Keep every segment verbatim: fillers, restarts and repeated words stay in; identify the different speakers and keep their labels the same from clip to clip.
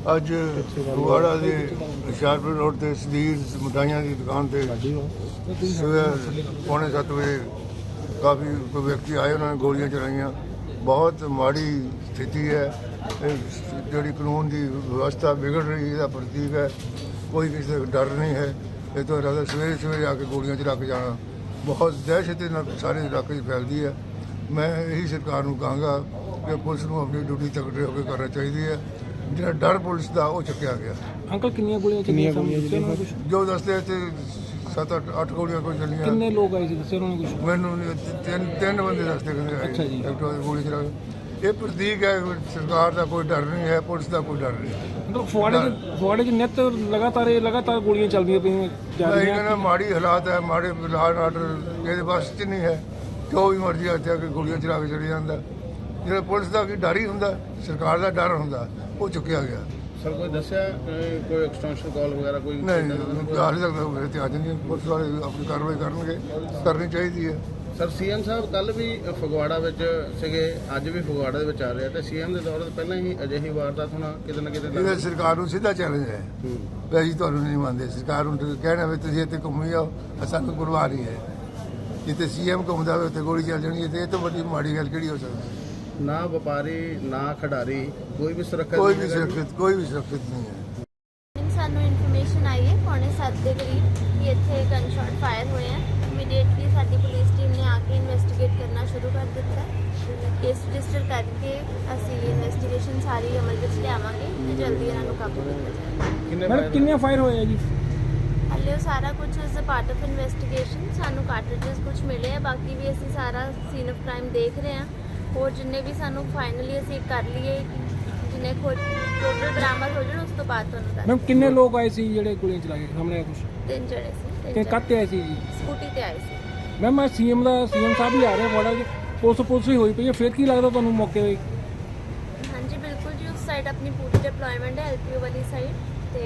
Speaker 1: ਅੱਜ ਫਗਵਾੜਾ ਦੇ ਹੁਸ਼ਿਆਰਪੁਰ ਰੋਡ ਤੇ ਸਦੀਰ ਮਿਠਾਈਆਂ ਦੀ ਦੁਕਾਨ ਤੇ ਸਵੇਰ ਪੌਣੇ ਸੱਤ ਵਜੇ ਕਾਫੀ ਕੋਈ ਵਿਅਕਤੀ ਆਏ, ਉਹਨਾਂ ਨੇ ਗੋਲੀਆਂ ਚਲਾਈਆਂ। ਬਹੁਤ ਮਾੜੀ ਸਥਿਤੀ ਹੈ। ਇਹ ਜਿਹੜੀ ਕਾਨੂੰਨ ਦੀ ਵਿਵਸਥਾ ਵਿਗੜ ਰਹੀ ਇਹਦਾ ਪ੍ਰਤੀਕ ਹੈ। ਕੋਈ ਕਿਸੇ ਦਾ ਡਰ ਨਹੀਂ ਹੈ। ਇਹ ਤੋਂ ਇਲਾਵਾ ਸਵੇਰੇ ਸਵੇਰੇ ਆ ਕੇ ਗੋਲੀਆਂ ਚਲਾ ਕੇ ਜਾਣਾ ਬਹੁਤ ਦਹਿਸ਼ਤ ਨਾਲ ਸਾਰੇ ਇਲਾਕੇ 'ਚ ਫੈਲਦੀ ਹੈ। ਮੈਂ ਇਹੀ ਸਰਕਾਰ ਨੂੰ ਕਹਾਂਗਾ ਕਿ ਪੁਲਿਸ ਨੂੰ ਆਪਣੀ ਡਿਊਟੀ ਤਕੜੇ ਹੋ ਕੇ ਕਰਨਾ ਚਾਹੀਦੀ ਹੈ। ਜਿਹੜਾ ਡਰ ਪੁਲਿਸ ਦਾ ਉਹ ਚੁੱਕਿਆ ਗਿਆ।
Speaker 2: ਅੰਕਲ ਕਿੰਨੀਆਂ ਗੋਲੀਆਂ ਚੱਲੀਆਂ? ਕੁਝ
Speaker 1: ਜੋ ਦੱਸਦੇ ਤੇ ਸੱਤ ਅੱਠ ਅੱਠ ਗੋਲੀਆਂ ਕੋਈ ਚੱਲੀਆਂ।
Speaker 2: ਕਿੰਨੇ ਲੋਕ ਆਏ ਸੀ ਦੱਸਿਆ ਉਹਨਾਂ ਨੇ ਕੁਝ?
Speaker 1: ਮੈਨੂੰ ਨਹੀਂ- ਤਿੰਨ ਤਿੰਨ ਬੰਦੇ ਦੱਸਦੇ ਕਹਿੰਦੇ ਆਏ।
Speaker 2: ਅੱਛਾ ਜੀ।
Speaker 1: ਗੋਲੀ ਚਲਾ ਕੇ ਇਹ ਪ੍ਰਤੀਕ ਹੈ ਸਰਕਾਰ ਦਾ ਕੋਈ ਡਰ ਨਹੀਂ ਹੈ, ਪੁਲਿਸ ਦਾ ਕੋਈ ਡਰ ਨਹੀਂ।
Speaker 2: ਮਤਲਬ ਫੁਆੜੇ 'ਚ ਫੁਆੜੇ 'ਚ ਨਿੱਤ ਲਗਾਤਾਰ ਇਹ ਲਗਾਤਾਰ ਗੋਲੀਆਂ ਚੱਲਦੀਆਂ ਪਈਆਂ ਜਾ
Speaker 1: ਮੈਂ
Speaker 2: ਰਹੀਆਂ।
Speaker 1: ਕਹਿੰਦਾ ਮਾੜੀ ਹਾਲਾਤ ਹੈ, ਮਾੜੇ ਲਾਅ ਐਂਡ ਆਰਡਰ ਇਹਦੇ ਬਸ 'ਚ ਨਹੀਂ ਹੈ। ਜੋ ਵੀ ਮਰਜ਼ੀ ਆ ਕੇ ਗੋਲੀਆਂ ਚਲਾ ਕੇ ਚਲੇ ਜਾਂਦਾ। ਜਿਹੜਾ ਪੁਲਿਸ ਦਾ ਕੀ ਡਰ ਹੀ ਹੁੰਦਾ, ਸਰਕਾਰ ਦਾ ਡਰ ਹੁੰਦਾ, ਉਹ ਚੁੱਕਿਆ ਗਿਆ।
Speaker 3: ਸਰ ਕੋਈ ਦੱਸਿਆ ਕਿ ਕੋਈ ਐਕਸਟੈਂਸ਼ਨ ਕਾਲ ਵਗੈਰਾ ਕੋਈ
Speaker 1: ਨਹੀਂ ਹਾਲੇ ਤੱਕ ਮੇਰੇ ਤੇ ਅੱਜ ਨਹੀਂ। ਪੁਲਿਸ ਵਾਲੇ ਆਪਣੀ ਕਾਰਵਾਈ ਕਰਨਗੇ, ਕਰਨੀ ਚਾਹੀਦੀ ਹੈ।
Speaker 3: ਸਰ ਸੀਐਮ ਸਾਹਿਬ ਕੱਲ ਵੀ ਫਗਵਾੜਾ ਵਿੱਚ ਸੀਗੇ, ਅੱਜ ਵੀ ਫਗਵਾੜਾ ਦੇ ਵਿੱਚ ਆ ਰਹੇ ਆ ਤੇ ਸੀਐਮ ਦੇ ਦੌਰ ਤੋਂ ਪਹਿਲਾਂ ਹੀ ਅਜਿਹੀ ਵਾਰਦਾਤ ਹੋਣਾ ਕਿਤੇ ਨਾ ਕਿਤੇ
Speaker 1: ਇਹਦਾ ਸਰਕਾਰ ਨੂੰ ਸਿੱਧਾ ਚੈਲੰਜ ਹੈ ਵੀ ਅਸੀਂ ਤੁਹਾਨੂੰ ਨਹੀਂ ਮੰਨਦੇ। ਸਰਕਾਰ ਨੂੰ ਕਹਿਣਾ ਵੀ ਤੁਸੀਂ ਇੱਥੇ ਘੁੰਮੀ ਜਾਓ, ਸਾਨੂੰ ਪਰਵਾਹ ਨਹੀਂ ਹੈ। ਜਿੱਥੇ ਸੀਐਮ ਘੁੰਮਦਾ ਹੋਵੇ ਉੱਥੇ ਗੋਲੀ ਚੱਲ ਜਾਣੀ ਹੈ। ਤੇ ਇਹ ਤੋਂ ਵੱਡੀ ਮਾੜੀ ਗੱਲ ਕਿਹੜੀ ਹੋ ਸਕਦੀ?
Speaker 3: ਨਾ ਵਪਾਰੀ ਨਾ ਖਿਡਾਰੀ ਕੋਈ ਵੀ ਸੁਰੱਖਿਆ
Speaker 1: ਕੋਈ ਵੀ ਸੁਰੱਖਿਅਤ ਕੋਈ ਵੀ ਸੁਰੱਖਿਅਤ ਨਹੀਂ ਹੈ।
Speaker 4: ਸਾਨੂੰ ਇਨਫੋਰਮੇਸ਼ਨ ਆਈ ਹੈ ਪੌਣੇ ਸੱਤ ਦੇ ਕਰੀਬ ਕਿ ਇੱਥੇ ਗਨ ਸ਼ਾਟ ਫਾਇਰ ਹੋਏ ਆ। ਇਮੀਡੀਏਟਲੀ ਸਾਡੀ ਪੁਲਿਸ ਟੀਮ ਨੇ ਆ ਕੇ ਇਨਵੈਸਟੀਗੇਟ ਕਰਨਾ ਸ਼ੁਰੂ ਕਰ ਦਿੱਤਾ। ਕੇਸ ਰਜਿਸਟਰ ਕਰਕੇ ਅਸੀਂ ਇਨਵੈਸਟੀਗੇਸ਼ਨ ਸਾਰੀ ਅਮਲ ਵਿੱਚ ਲਿਆਵਾਂਗੇ ਤੇ ਜਲਦੀ ਇਹਨਾਂ ਨੂੰ ਕਾਬੂ ਕੀਤਾ ਜਾਏਗਾ।
Speaker 2: ਮੈਡਮ ਕਿੰਨੇ ਫਾਇਰ ਹੋਏ ਆ ਜੀ?
Speaker 4: ਹਾਲੇ ਉਹ ਸਾਰਾ ਕੁਝ is a part of investigation. ਸਾਨੂੰ ਕਾਰਟ੍ਰਿਜਸ ਕੁਝ ਮਿਲੇ ਆ, ਬਾਕੀ ਵੀ ਅਸੀਂ ਸਾਰਾ ਸੀਨ ਆਫ ਕ੍ਰਾਈਮ ਦੇਖ ਰਹੇ ਹਾਂ। ਹੋਰ ਜਿੰਨੇ ਵੀ ਸਾਨੂੰ ਫਾਈਨਲੀ ਅਸੀਂ ਕਰ ਲਈਏ ਜਿੰਨੇ ਖੋਜ ਟੋਟਲ ਬਰਾਮਦ ਹੋ ਜਾਣ ਉਸ ਤੋਂ ਬਾਅਦ ਤੁਹਾਨੂੰ ਦੱਸ।
Speaker 2: ਮੈਮ ਕਿੰਨੇ ਲੋਕ ਆਏ ਸੀ ਜਿਹੜੇ ਗੋਲੀਆਂ ਚਲਾ ਕੇ ਸਾਹਮਣੇ ਆ ਕੁਝ?
Speaker 4: ਤਿੰਨ ਜਣੇ ਸੀ। ਤਿੰਨ
Speaker 2: ਕਿ
Speaker 4: ਜਣੇ।
Speaker 2: ਕੱਤੇ ਆਏ ਸੀ ਜੀ?
Speaker 4: ਸਕੂਟੀ ਤੇ ਆਏ ਸੀ।
Speaker 2: ਮੈਮ ਮੈਂ ਸੀਐਮ ਦਾ ਸੀਐਮ ਸਾਹਿਬ ਵੀ ਆ ਰਹੇ ਫਗਵਾੜਾ 'ਚ, ਪੁਲਿਸ ਪੁਲਿਸ ਹੀ ਹੋਈ ਪਈ ਹੈ। ਫਿਰ ਕੀ ਲੱਗਦਾ ਤੁਹਾਨੂੰ ਮੌਕੇ 'ਤੇ?
Speaker 4: ਹਾਂਜੀ ਬਿਲਕੁਲ ਜੀ, ਉਸ ਸਾਈਡ ਆਪਣੀ ਪੂਰੀ ਡਿਪਲੋਇਮੈਂਟ ਹੈ ਐਲਪੀਓ ਵਾਲੀ ਸਾਈਡ ਤੇ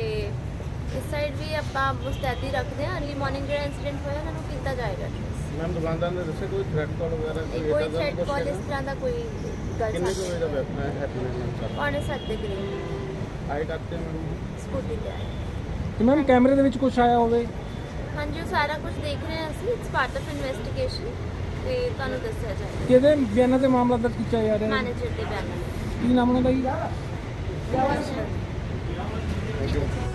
Speaker 4: ਇਸ ਸਾਈਡ ਵੀ ਆਪਾਂ ਮੁਸਤੈਦੀ ਰੱਖਦੇ ਹਾਂ। ਅਰਲੀ ਮਾਰਨਿੰਗ ਜਿਹੜਾ ਇਨਸੀਡੈਂਟ ਹੋਇਆ ਉਹਨਾਂ ਨੂੰ ਕੀਤਾ ਜਾਏਗਾ।
Speaker 3: ਮੈਮ ਦੁਕਾਨਦਾਰ ਨੇ ਦੱਸਿਆ ਕੋਈ ਥ੍ਰੈਟ ਕਾਲ ਵਗੈਰਾ
Speaker 4: ਨਹੀਂ, ਕੋਈ ਥ੍ਰੈਟ ਕਾਲ ਇਸ ਤਰ੍ਹਾਂ ਦਾ ਕੋਈ ਗੱਲ
Speaker 3: ਕਿੰਨੇ ਕੁ ਵਜੇ ਦਾ
Speaker 4: ਸਾਹਮਣੇ
Speaker 3: ਵੈਪਨ ਹੈ ਹੈਪੀ ਮੈਮ
Speaker 4: ਪੌਣੇ ਸੱਤ ਦੇ ਕਰੀਬ
Speaker 3: ਆਏ ਕਰਤੇ ਮੈਮ
Speaker 4: ਸਕੂਟੀ ਤੇ ਆਏ।
Speaker 2: ਤੇ ਮੈਮ ਕੈਮਰੇ ਦੇ ਵਿੱਚ ਕੁਝ ਆਇਆ ਹੋਵੇ?
Speaker 4: ਹਾਂਜੀ ਉਹ ਸਾਰਾ ਕੁਝ ਦੇਖ ਰਹੇ ਹਾਂ ਅਸੀਂ। ਇਟਸ ਪਾਰਟ ਆਫ ਇਨਵੈਸਟੀਗੇਸ਼ਨ ਤੇ ਤੁਹਾਨੂੰ ਦੱਸਿਆ ਜਾਏਗਾ।
Speaker 2: ਕਿਹਦੇ ਬਿਆਨਾਂ ਤੇ ਮਾਮਲਾ ਦਰਜ ਕੀਤਾ ਜਾ ਰਿਹਾ ਹੈ?
Speaker 4: ਮੈਨੇਜਰ ਦੇ ਬਿਆਨਾਂ
Speaker 2: ਕੀ ਨਾਮ ਉਹਨਾਂ ਦਾ ਜੀ?
Speaker 4: ਨਾਲ।